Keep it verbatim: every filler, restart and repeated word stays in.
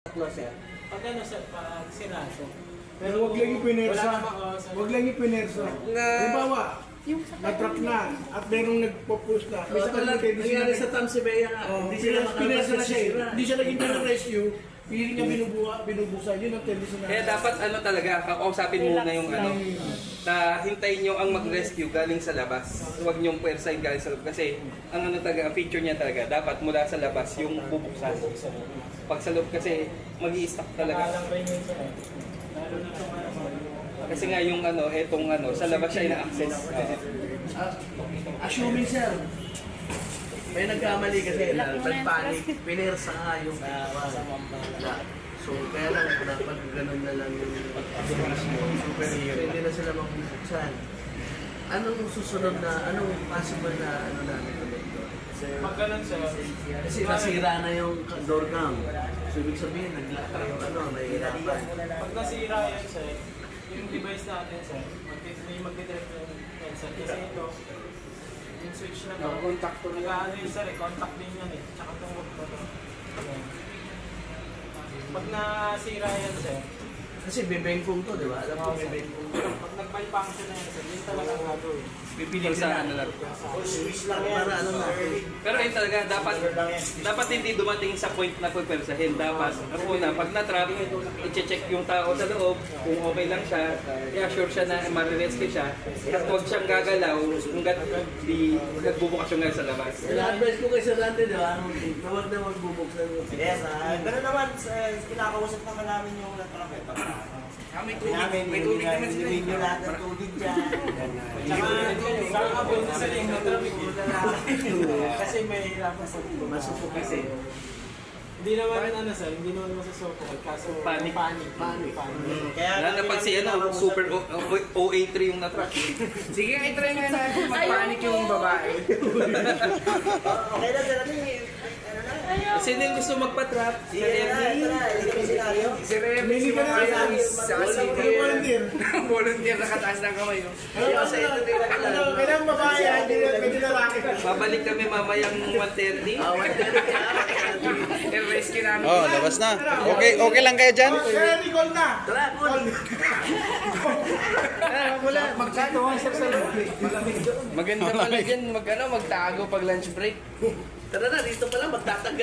sir. Pag ano sir, pag siraso. Pero huwag lang ipinersa. Huwag lang ipinersa. Halimbawa, na-truck na at merong nagpo-push na. Oh, tulad nangyari sa Tamsibaya nga. Oh, Hindi sila pinersa na makalabas siya. sira. Hindi siya naging na rescue. Hindi niya binubuha, binubusan. Yun ang tendency na. Kaya dapat ano talaga, kakausapin muna yung ano, na hintayin nyo ang mag-rescue galing sa labas. Huwag nyong pwersahin galing sa labas. Kasi ang ano talaga, ang feature niya talaga, dapat mula sa labas yung bubuksan. Pag sa loob kasi, mag-i-stuck talaga. Kasi nga yung ano, etong ano, sa labas siya ina-access. Ah, assuming sir, may nagkamali kasi na nagpanic, pinersa nga yung na. So kaya lang dapat ganun na lang yung pwede na sila magbuksan. Anong susunod na, anong possible na ano namin ulit doon? Pag ganun sir, Kasi nasira na yung door cam. So ibig sabihin, naglakar yung ano, nahihirapan. pag nasira yan sir, yung device natin sir, magti- may magdidirect yung headset. Kasi ito, yung switch na to, Contact to na. nag-ano yun sir, eh, contact din yan eh. Tsaka itong hook na to. Ayan. Pag nasira yan sir, Kasi bebengkong to, di ba? Alam ko bebengkong to. pag nag-malfunction na yan sir, yun talaga ang gagawin. Pipili sa ano lang. Para ano natin. Pero yun talaga, dapat dapat hindi dumating sa point na pagpersahin. Dapat, ang una, pag na-trap, i-check yung tao sa loob, kung okay lang siya, i-assure siya na marirescue siya, at huwag siyang gagalaw hanggat di nagbubukas yung nga sa labas. Ina-advise ko kay Sir Randy, di ba? Na huwag na magbubuksan mo. Yes, ah, gano'n naman, uh, kinakausap naman namin yung natrapet. May Namin, may tubig naman sila. Hindi lahat ng tubig dyan. Tsaka abot na sa link na traffic eh. Kasi may hirapan sa Masupok kasi. Hindi naman ano sir, hindi naman masasoko. Kaso Panic. Panic. Panic. Panic. Kaya Lalo na pag si ano, super O A three yung na-track. Sige, i-try nga natin mag-panic yung babae. Okay na, sir. Ano yung, ano na? Sino yung gusto magpa-trap? Si Sige na, ito na. Ito na senaryo. Si Remy, si Hindi ka na Marian, lang. sa Wala sige. ka volunteer. Volunteer nakataas ng kamay. oh. Ano, kailangan babae, hindi na pwede lalaki. Babalik kami mamayang one thirty. Ah, one thirty ah. I-rescue namin. Oh, labas na. Okay, okay lang kayo dyan? Kaya Nicole na. Tara, Paul. Wala, magkatawa sir sa Maganda pala dyan, mag, ano, magtago pag lunch break. Tara na, dito pala magtatag